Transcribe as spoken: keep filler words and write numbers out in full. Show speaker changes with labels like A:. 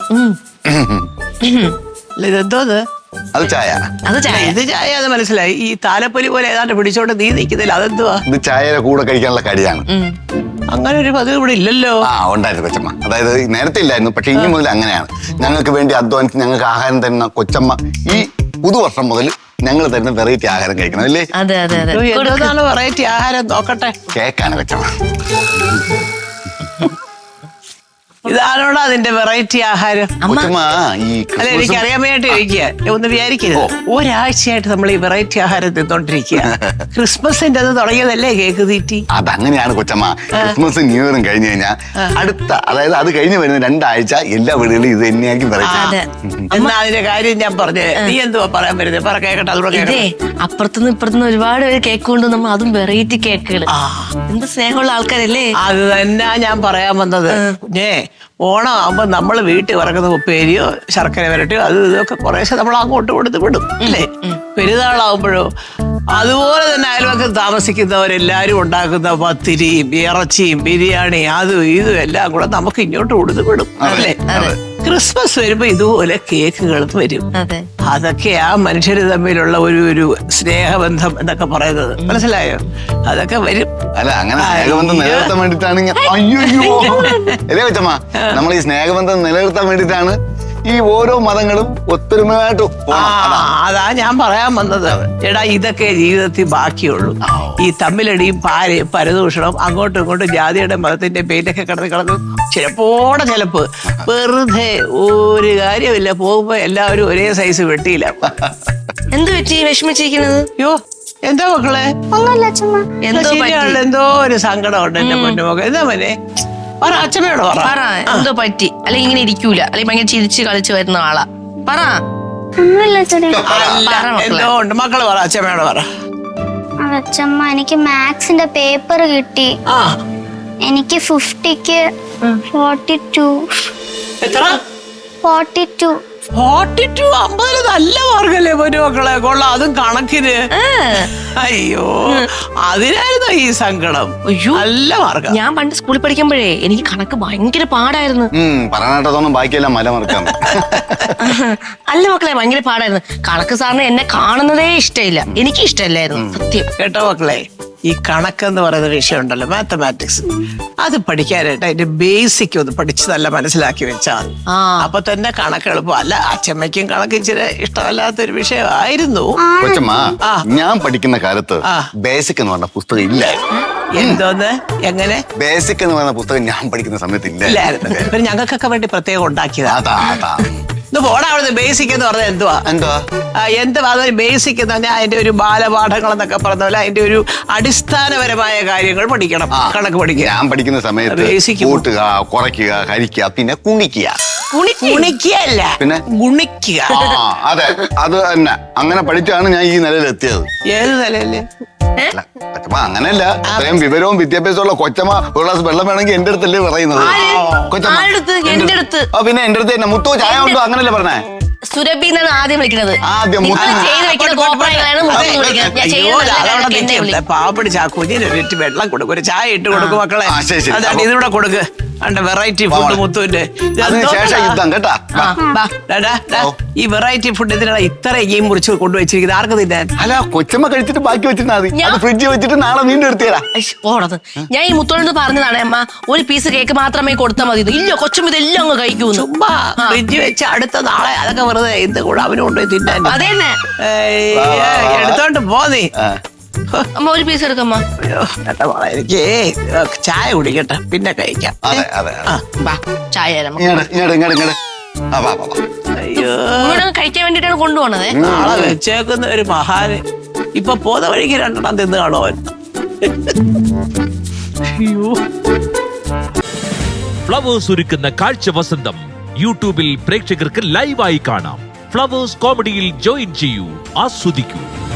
A: അല്ല ഇതെന്തോന്ന്?
B: അത് ചായ.
C: അത് ചായ.
A: ഇത് ചായ അത് മനസ്സിലായി. ഈ താലപ്പൊലി പോലെ ഏതാണ്ട് പിടിച്ചോണ്ട് നീ നിൽക്കുന്നില്ല, അതെന്തുവാ?
B: ഇത് ചായയുടെ കൂടെ കഴിക്കാനുള്ള കടിയാണ്.
A: അങ്ങനെ ഒരു പതിവ് ഇവിടെ ഇല്ലല്ലോ.
B: ആ ഉണ്ടായിരുന്നു കൊച്ചമ്മ. അതായത് നേരത്തെ ഇല്ലായിരുന്നു, പക്ഷെ ഇനി മുതൽ അങ്ങനെയാണ്. ഞങ്ങൾക്ക് വേണ്ടി അധ്വാനിച്ച് ഞങ്ങൾക്ക് ആഹാരം തരുന്ന കൊച്ചമ്മ ഈ പുതുവർഷം മുതൽ ഞങ്ങൾ തരുന്ന വെറൈറ്റി ആഹാരം കഴിക്കണം അല്ലേ?
C: അതെ അതെ അതെ.
A: എന്താണ് വെറൈറ്റി ആഹാരം? നോക്കട്ടെ.
B: കേക്കാണ് കൊച്ചമ്മ.
A: ഇതാണോടാ അതിന്റെ വെറൈറ്റി ആഹാരം?
B: കൊച്ചമ്മ ഈ
A: അല്ല എനിക്ക് അറിയാൻ വേണ്ടി ചോദിക്കുക, ഒന്ന് വിചാരിക്കരുത്. ഒരാഴ്ചയായിട്ട് നമ്മൾ ഈ വെറൈറ്റി ആഹാരം തിന്നോണ്ടിരിക്കുക. ക്രിസ്മസിന്റെ അത് തുടങ്ങിയതല്ലേ കേക്ക് തീറ്റി?
B: അതങ്ങനെയാണ് കൊച്ചമ്മ. ക്രിസ്മസ് ന്യൂ ഇയറും കഴിഞ്ഞു കഴിഞ്ഞാൽ അടുത്ത അതായത് അത് കഴിഞ്ഞ് വരുന്ന രണ്ടാഴ്ച എല്ലാ വീടുകളിലും ഇത് തന്നെയായിരിക്കും വെറൈറ്റി.
A: എന്നാ അതിന്റെ കാര്യം ഞാൻ പറഞ്ഞേ. നീ എന്തുവാ പറയാൻ വരുന്നത്? പറ കേക്കട്ടെ. അതുകൂടെ
C: ഇതേ അപ്പുറത്തുനിന്ന് ഇപ്പുറത്തുനിന്ന് ഒരുപാട് പേര് കേക്ക് കൊണ്ട് നമ്മൾ അതും വെറൈറ്റി കേക്കുകൾ. എന്ത് സ്നേഹമുള്ള ആൾക്കാരല്ലേ.
A: അത് തന്നെ ഞാൻ പറയാൻ വന്നത്. കുഞ്ഞേ, ഓണം ആകുമ്പോ നമ്മൾ വീട്ടിൽ വറക്കുന്ന ഉപ്പേരിയോ ശർക്കര വരട്ടിയോ അത് ഇതൊക്കെ കുറേശ്ശെ നമ്മൾ അങ്ങോട്ട് കൊടുത്ത് വിടും അല്ലേ? പെരുന്നാളാവുമ്പോഴോ അതുപോലെ തന്നെ അയൽവക്കം താമസിക്കുന്നവരെല്ലാരും ഉണ്ടാക്കുന്ന പത്തിരിയും ഇറച്ചിയും ബിരിയാണി അതും ഇതും എല്ലാം കൂടെ നമുക്ക് ഇങ്ങോട്ട് കൊടുത്ത് വിടും അല്ലേ? ക്രിസ്മസ് വരുമ്പോ ഇതുപോലെ കേക്കുകളും വരും. അതൊക്കെയാ മനുഷ്യര് തമ്മിലുള്ള ഒരു ഒരു സ്നേഹബന്ധം എന്നൊക്കെ പറയുന്നത്. മനസ്സിലായോ? അതൊക്കെ വരും.
B: അല്ല അങ്ങനെ സ്നേഹബന്ധം നിലനിർത്താൻ വേണ്ടിട്ടാണ്. അയ്യോ അല്ലേ കൊച്ചമ്മ, നമ്മൾ ഈ സ്നേഹബന്ധം നിലനിർത്താൻ വേണ്ടിട്ടാണ് ഈ ഓരോ മതങ്ങളും ഒത്തൊരുമയായിട്ട്.
A: അതാ ഞാൻ പറയാൻ വന്നത്. എടാ ഇതൊക്കെ ജീവിതത്തിൽ ബാക്കിയുള്ളൂ. ഈ തമ്മിലടിയും പാരയും പരദൂഷണം അങ്ങോട്ടും ഇങ്ങോട്ടും ജാതിയുടെ മതത്തിന്റെ പേരിലൊക്കെ കിടന്ന് കിടന്ന് ചിലപ്പോടെ ചിലപ്പ് വെറുതെ ഒരു കാര്യമില്ല. പോകുമ്പോ എല്ലാവരും ഒരേ സൈസ് വെട്ടിയില്ല.
C: എന്ത് പറ്റി വിഷമിച്ചിരിക്കുന്നത്?
A: യോ എന്താ മക്കളെ? എന്തോ ഒരു സങ്കടം ഉണ്ട് എന്റെ പൊന്നുമൊക്കെ. എന്താ മോനെ? പറ, അച്ഛനോട് പറ.
C: എന്തോ പറ്റി? അല്ലെങ്കിൽ ഇങ്ങനെ ഇരിക്കൂല, അല്ലെങ്കിൽ ഭയങ്കര ചിരിച്ച് കളിച്ച് വരുന്ന ആളാ. പറ.
A: എന്തോ ഉണ്ട് മക്കള് പറ. അച്ഛമ്മയോട് പറ.
D: അച്ഛമ്മ എനിക്ക് മാത്സിന്റെ പേപ്പർ കിട്ടി. എനിക്ക് ഫിഫ്റ്റിക്ക് ഫോർട്ടി ടു.
A: എത്ര?
D: Forty two.
A: ഫോർട്ടി ടു അമ്പതിന് നല്ല മാർക്കല്ലേ പൊന്നു മക്കളെ. കൊള്ളാം, അതും കണക്കിന്. അയ്യോ അതിനായിരുന്നു ഈ സങ്കടം. നല്ല മാർക്ക.
C: ഞാൻ പണ്ട് സ്കൂളിൽ പഠിക്കുമ്പോഴേ എനിക്ക് കണക്ക് ഭയങ്കര പാടായിരുന്നു.
B: പറഞ്ഞിട്ടതൊന്നും ബാക്കിയെല്ലാം മല മറക്കാം.
C: അല്ല മക്കളെ, ഭയങ്കര പാടായിരുന്നു കണക്ക്. സാറിന് എന്നെ കാണുന്നതേ ഇഷ്ടമില്ല, എനിക്ക് ഇഷ്ടമല്ലായിരുന്നു സത്യം.
A: കേട്ടോ മക്കളെ, ഈ കണക്കെന്ന് പറയുന്ന വിഷയം ഉണ്ടല്ലോ, മാത്തമാറ്റിക്സ്, അത് പഠിക്കാനായിട്ട് അതിന്റെ ബേസിക് ഒന്ന് പഠിച്ച് നല്ല മനസ്സിലാക്കി വെച്ചാൽ അപ്പൊ തന്നെ കണക്ക് എളുപ്പം. അല്ല അച്ഛമ്മയ്ക്കും കണക്ക് ഇച്ചിരി ഇഷ്ടമല്ലാത്തൊരു വിഷയമായിരുന്നു.
B: കൊച്ചമ്മ, ഞാൻ പഠിക്കുന്ന കാലത്ത് ബേസിക് എന്ന് പറഞ്ഞ പുസ്തകം ഇല്ലായിരുന്നു.
A: എന്തോന്ന്? എങ്ങനെ?
B: ബേസിക് എന്ന് പറയുന്ന പുസ്തകം ഞാൻ പഠിക്കുന്ന സമയത്ത്
A: ഇല്ലായിരുന്നു. പിന്നെ ഞങ്ങൾക്കൊക്കെ വേണ്ടി പ്രത്യേകം ഉണ്ടാക്കിയതാ. പോടാ അവിടുന്ന്. ബേസിക് എന്ന് പറഞ്ഞാൽ എന്തുവാ?
B: എന്തുവാ
A: എന്തുവാ അതൊരു ബേസിക് എന്ന് പറഞ്ഞാൽ അതിന്റെ ഒരു ബാലപാഠങ്ങൾ എന്നൊക്കെ പറഞ്ഞ പോലെ അതിന്റെ ഒരു അടിസ്ഥാനപരമായ കാര്യങ്ങൾ പഠിക്കണം. കണക്ക് പഠിക്കുക.
B: ഞാൻ പഠിക്കുന്ന സമയത്ത് ബേസിക് കൂട്ടുക, കുറയ്ക്കുക, ഹരിക്കുക, പിന്നെ കുണിക്കുക.
A: കുണിക്കുകയല്ല, പിന്നെ ഗുണിക്കുക.
B: അതെ, അത് തന്നെ. അങ്ങനെ പഠിച്ചാണ് ഞാൻ ഈ നിലയിലെത്തിയത്.
A: ഏത് നിലയില്?
B: കൊച്ചമ്മ അങ്ങനെയല്ല, അത്രയും വിവരവും വിദ്യാഭ്യാസമുള്ള കൊച്ചമ്മ ഒരു ഗ്ലാസ് വെള്ളം വേണമെങ്കിൽ എന്റെ അടുത്തല്ലേ പറയുന്നത്. കൊച്ചമ്മ പിന്നെ എന്റെ അടുത്ത് തന്നെ മുത്തു ചായ ഉണ്ടോ അങ്ങനല്ലേ പറഞ്ഞേ?
C: സുരഭി എന്നാണ് ആദ്യം വിളിക്കുന്നത്.
A: പാവപ്പടി ചാക്കുഞ്ഞിന് ഒരു വെള്ളം കൊടുക്കും, ഒരു ചായ ഇട്ട് കൊടുക്കും മക്കളെ. അതാണ് ഇതിലൂടെ കൊടുക്ക്. വെറൈറ്റി ഫുഡ് മുത്തുവിന്റെ ഈ വെറൈറ്റി ഫുഡ് ഇതിനാണ് ഇത്ര ഈ മുറിച്ച് കൊണ്ടുവച്ചിരിക്കുന്നത്. ആർക്ക് തിന്നാൻ?
B: അല്ല കൊച്ചമ്മ കഴിച്ചിട്ട് ബാക്കി വെച്ചിരുന്നാ മതി. ഫ്രിഡ്ജിൽ വെച്ചിട്ട് നാളെ വീണ്ടും എടുത്തേരാ.
C: ഓടത് ഞാൻ ഈ മുത്തോട് പറഞ്ഞതാണ്, അമ്മ ഒരു പീസ് കേക്ക് മാത്രമേ കൊടുത്താൽ മതി. ഇല്ല കൊച്ചമ്മ ഇതെല്ലാം അങ്ങ് കഴിക്കൂ.
A: ചുമ്മാ ഫ്രിഡ്ജ് വെച്ച് അടുത്ത നാളെ അതൊക്കെ വെറുതെ ഇത് കൂടെ അവന് കൊണ്ടുപോയി തിന്നാൻ.
C: അതന്നെ
A: എടുത്തോണ്ട് പോന്നീ.
C: അമ്മ ഒരു പീസ് എടുക്കമ്മ.
A: എനിക്ക് ചായ കുടിക്കട്ടെ, പിന്നെ കഴിക്കാം.
C: ചായ കഴിക്കാൻ വേണ്ടിട്ടാണ് കൊണ്ടുപോണത്.
A: നാളെ വെച്ചേക്കുന്ന ഒരു മഹാന് ഇപ്പൊ പോന്ന വഴിക്ക് രണ്ടെണ്ണം തിന്ന് കാണോ അവൻ.
E: ഫ്ലവേഴ്സ് ഒരുക്കുന്ന കാഴ്ച വസന്തം യൂട്യൂബിൽ പ്രേക്ഷകർക്ക് ലൈവായി കാണാം. ഫ്ലവേഴ്സ് കോമഡിയിൽ ജോയിൻ ചെയ്യൂ, ആസ്വദിക്കൂ.